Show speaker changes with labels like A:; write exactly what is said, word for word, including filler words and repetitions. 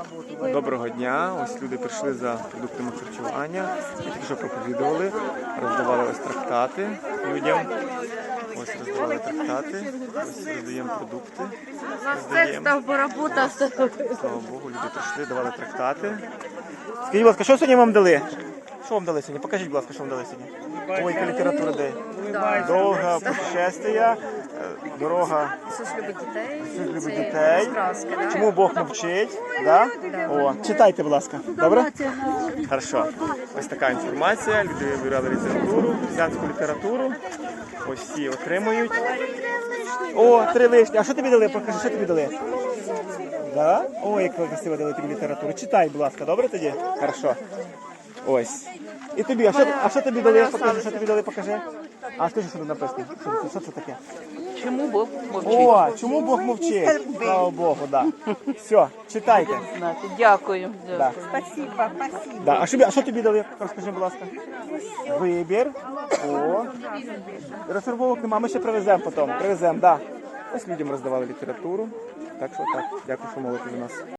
A: Доброго дня. Ось люди прийшли за продуктами харчування. Ми тільки що проповідували, роздавали ось трактати людям. Ось роздавали трактати, ось роздаємо продукти. Роздаємо. Слава Богу, люди прийшли, давали трактати. Скажіть, будь ласка, що сьогодні вам дали? Що вам дали сьогодні? Покажіть, будь ласка, що вам дали сьогодні. Ой, яка література де? Довга путешествия, дорога.
B: Ісус любить дітей.
A: Ісус любить
B: Це
A: дітей.
B: сказки, да?
A: Чому Бог мовчить? Да? О, читайте, будь ласка. Добре? Хорошо. Ось така інформація. Люди вибирали літературу, християнську літературу. Ось всі отримують. О, три лишні. А що тобі дали? Покажи, що тобі дали? Да? Ой, як красиво дали тобі літературу. Читай, будь ласка, добре тоді? Хорошо. Ось. І тобі, а що, а що тобі дали? Покажи, що тобі дали, покажи. А скажи, що тут написано. Що, це- що це таке?
C: Чому Бог мовчить?
A: О, чому Бог мовчить? Слава Богу, да. Все, читайте.
C: Знати. Дякую.
A: Да.
C: Дякую.
D: Спасибо, спасибо.
A: Да. А що, а що тобі дали? Розкажи, будь ласка. Вибір. О. Розфарбовок нема, ми ще привеземо потім. Привеземо, да. Ось людям роздавали літературу. Так що так. Дякую, що молите за нас.